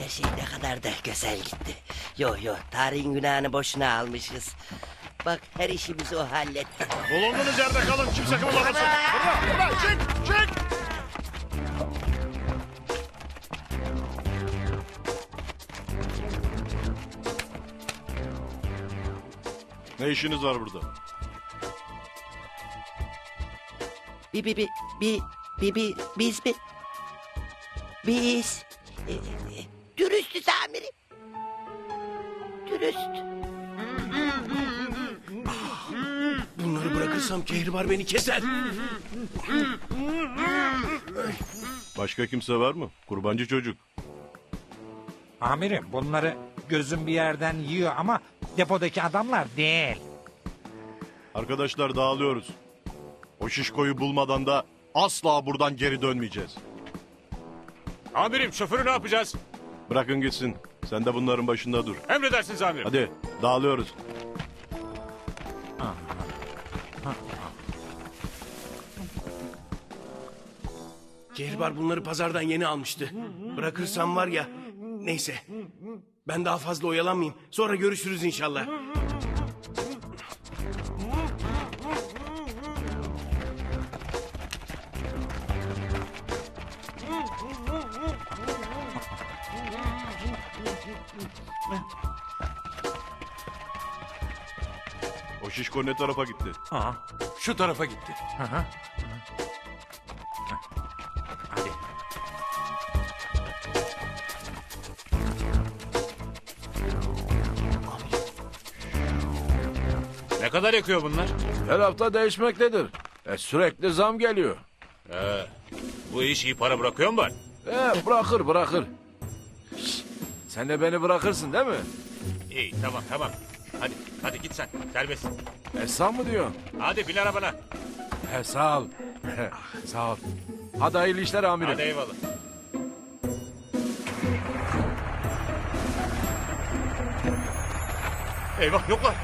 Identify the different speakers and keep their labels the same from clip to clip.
Speaker 1: Her şey ne kadar da güzel gitti. Yo, tarihin günahını boşuna almışız. Bak, her işimizi o halletti.
Speaker 2: Bulunduğunuz yerde kalın. Kimse kımıldamasın. Burada. Çık. Ne işiniz var burada?
Speaker 1: Biz mi? Biz. Dürüstüz amirim. Dürüst.
Speaker 3: Bunları bırakırsam Kehribar beni keser.
Speaker 2: Başka kimse var mı? Kurbancı çocuk.
Speaker 4: Amirim bunları gözüm bir yerden yiyor ama depodaki adamlar değil.
Speaker 2: Arkadaşlar dağılıyoruz. O şişkoyu bulmadan da asla buradan geri dönmeyeceğiz.
Speaker 5: Amirim şoförü ne yapacağız?
Speaker 2: Bırakın gitsin. Sen de bunların başında dur.
Speaker 5: Emredersiniz amirim.
Speaker 2: Hadi dağılıyoruz.
Speaker 3: Kehribar bunları pazardan yeni almıştı. Bırakırsam var ya... Neyse. Ben daha fazla oyalanmayayım. Sonra görüşürüz inşallah.
Speaker 2: O şişko ne tarafa gitti?
Speaker 5: Şu tarafa gitti.
Speaker 4: Hadi.
Speaker 5: Ne kadar yakıyor bunlar?
Speaker 6: Her hafta değişmektedir. Sürekli zam geliyor.
Speaker 5: Bu iş iyi para bırakıyor mu bari?
Speaker 6: Bırakır. Şşt, sen de beni bırakırsın değil mi?
Speaker 5: İyi tamam. Hadi git sen. Serbest.
Speaker 6: Sen mi diyorsun?
Speaker 5: Hadi bin arabana.
Speaker 6: Sağ ol. Sağ ol. Hadi hayırlı işler amirim.
Speaker 5: Hadi eyvallah. Eyvah yoklar.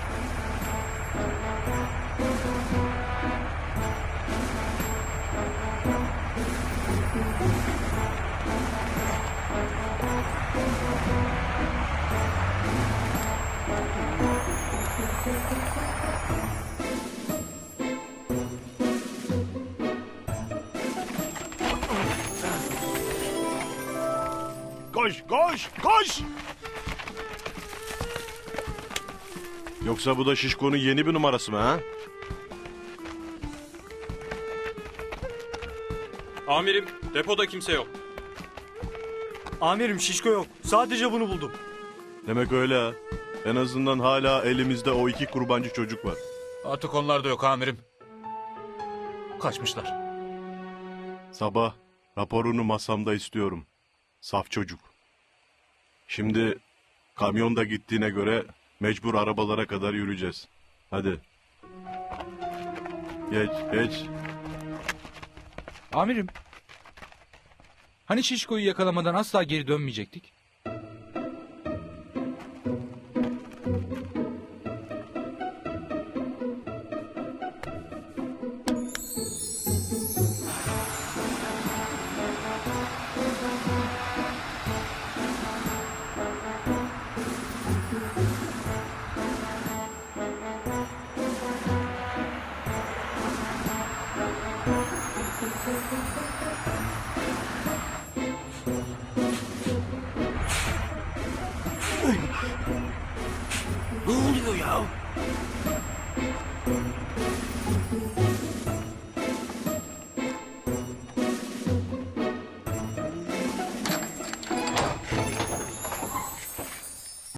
Speaker 2: Koş! Yoksa bu da şişkonun yeni bir numarası mı ha?
Speaker 7: Amirim, depoda kimse yok.
Speaker 8: Amirim şişko yok. Sadece bunu buldum.
Speaker 2: Demek öyle ha. En azından hala elimizde o 2 kurbancı çocuk var.
Speaker 5: Artık onlar da yok amirim. Kaçmışlar.
Speaker 2: Sabah raporunu masamda istiyorum. Saf çocuk. Şimdi kamyon da gittiğine göre mecbur arabalara kadar yürüyeceğiz. Hadi. Geç.
Speaker 9: Amirim. Hani Şişko'yu yakalamadan asla geri dönmeyecektik?
Speaker 3: Ne oluyor ya?